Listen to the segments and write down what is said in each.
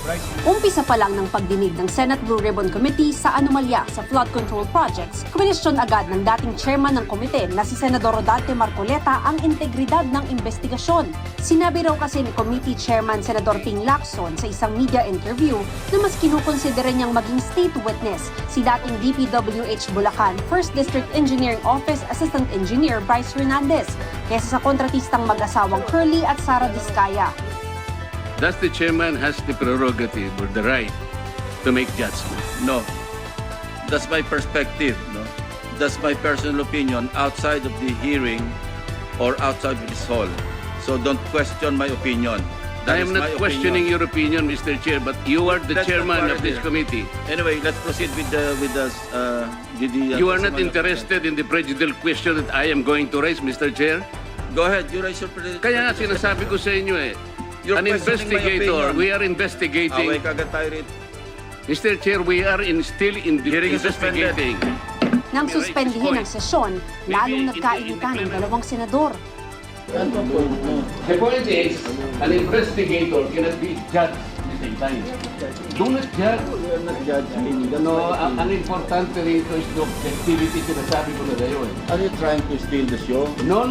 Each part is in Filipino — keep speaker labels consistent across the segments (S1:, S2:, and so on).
S1: Umpisa pa lang ng pagdinig ng Senate Blue Ribbon Committee sa anomalya sa flood control projects, kuminisyon agad ng dating chairman ng komite na si Senador Rodante Marcoleta ang integridad ng investigasyon. Sinabi raw kasi ni Committee Chairman Senador Ping Lacson sa isang media interview na mas kinukonsidera niyang maging state witness si dating DPWH Bulacan 1st District Engineering Office Assistant Engineer Bryce Hernandez kaysa sa kontratistang mag-asawang Curly at Sara Discaya.
S2: Does the chairman has the prerogative or the right to make judgment?
S3: No. That's my perspective. No? That's my personal opinion outside of the hearing or outside of this hall. So don't question my opinion.
S2: I am not questioning your opinion, Mr. Chair, but you are the
S3: That's
S2: chairman
S3: not
S2: of this
S3: here.
S2: committee.
S3: Anyway, let's proceed with the
S2: You are not interested in the prejudicial question that I am going to raise, Mr. Chair?
S3: Go ahead, you raise your prejudice.
S2: Kaya nga sinasabi ko sa inyo
S3: You're
S2: an
S3: questioning my
S2: investigator,
S3: opinion.
S2: we are investigating.
S3: Away kagad tayo rito.
S2: Mr. Chair, we are still
S3: Hearing is suspended.
S2: investigating.
S1: Nang suspendihin ang sesyon, lalong nagkainitan ng dalawang senador.
S2: The point is, an investigator cannot be judged at the same time. Do not judge. No, ang importante rito is the objectivity, sinasabi ko na ngayon.
S4: Are you trying to steal the show?
S2: No.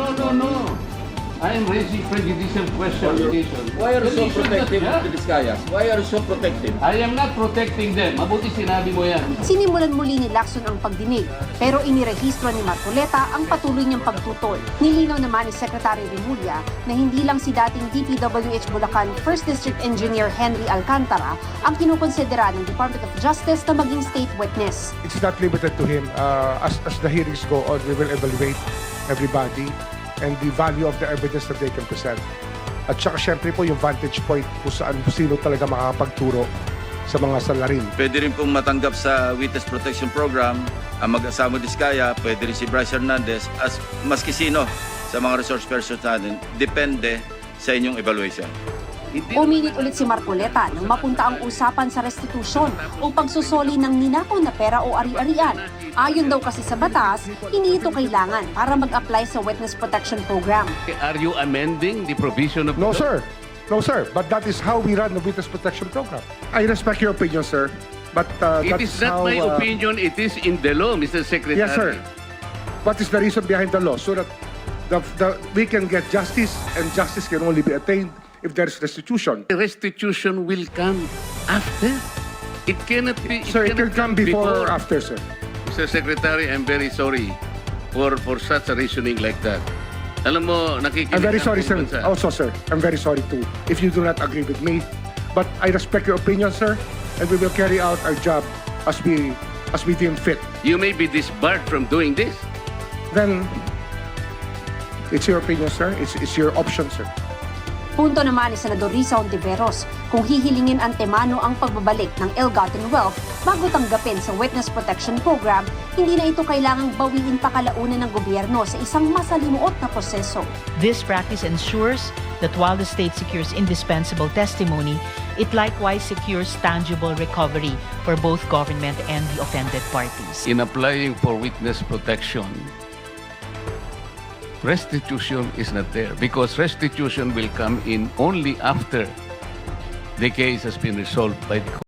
S2: I am raising prejudicial questions.
S4: Why are you so
S2: Then you should
S4: protective
S2: not
S4: of the
S2: judge.
S4: Discayas? Why are you so protective?
S2: I am not protecting them. Mabuti sinabi mo yan.
S1: Sinimulan muli ni Lacson ang pagdinig, pero inirehistro ni Marcoleta ang patuloy niyang pagtutol. Nilinaw naman ni Secretary Remulla na hindi lang si dating DPWH Bulacan 1st District Engineer Henry Alcantara ang kinukonsidera ng Department of Justice na maging state witness.
S5: It's not limited to him. As the hearings go on, we will evaluate everybody and the value of the evidence that they can present. At saka syempre po yung vantage point kung sino talaga makakapagturo sa mga salarin.
S3: Pwede rin pong matanggap sa Witness Protection Program ang mag-asama Discaya, pwede rin si Bryce Hernandez, as maski sino sa mga resource persons natin, depende sa inyong evaluation.
S1: Uminit ulit si Marcoleta nang mapunta ang usapan sa restitusyon o pagsusoli ng ninakaw na pera o ari-arian. Ayon daw kasi sa batas, hindi ito kailangan para mag-apply sa Witness Protection Program.
S2: Are you amending the provision of
S5: No,
S2: the law?
S5: sir. No, sir. But that is how we run the Witness Protection Program. I respect your opinion, sir. But
S2: It
S5: that
S2: is
S5: is
S2: not
S5: how,
S2: my opinion, it is in the law, Mr. Secretary.
S5: Yes, sir. What is the reason behind the law? So that we can get justice, and justice can only be attained if there is restitution.
S2: The restitution will come after. It cannot be.
S5: Sir, it can
S2: cannot
S5: come before or after, sir.
S2: Mr. Secretary, I'm very sorry for such a reasoning like that. Alam mo, nakikinig
S5: I'm very
S2: ang
S5: sorry, sir.
S2: buong bansa.
S5: Also, sir, I'm very sorry too if you do not agree with me. But I respect your opinion, sir, and we will carry out our job as we deem fit.
S2: You may be disbarred from doing this.
S5: Then it's your opinion, sir. It's your option, sir.
S1: Punto naman ni Senador Risa Ontiveros kung hihilingin antemano ang pagbabalik ng ill-gotten wealth bago tanggapin sa Witness Protection Program, hindi na ito kailangang bawiin pa kalaunan ng gobyerno sa isang masalimuot na proseso.
S6: This practice ensures that while the state secures indispensable testimony, it likewise secures tangible recovery for both government and the offended parties.
S2: In applying for witness protection, restitution is not there because restitution will come in only after the case has been resolved by the court.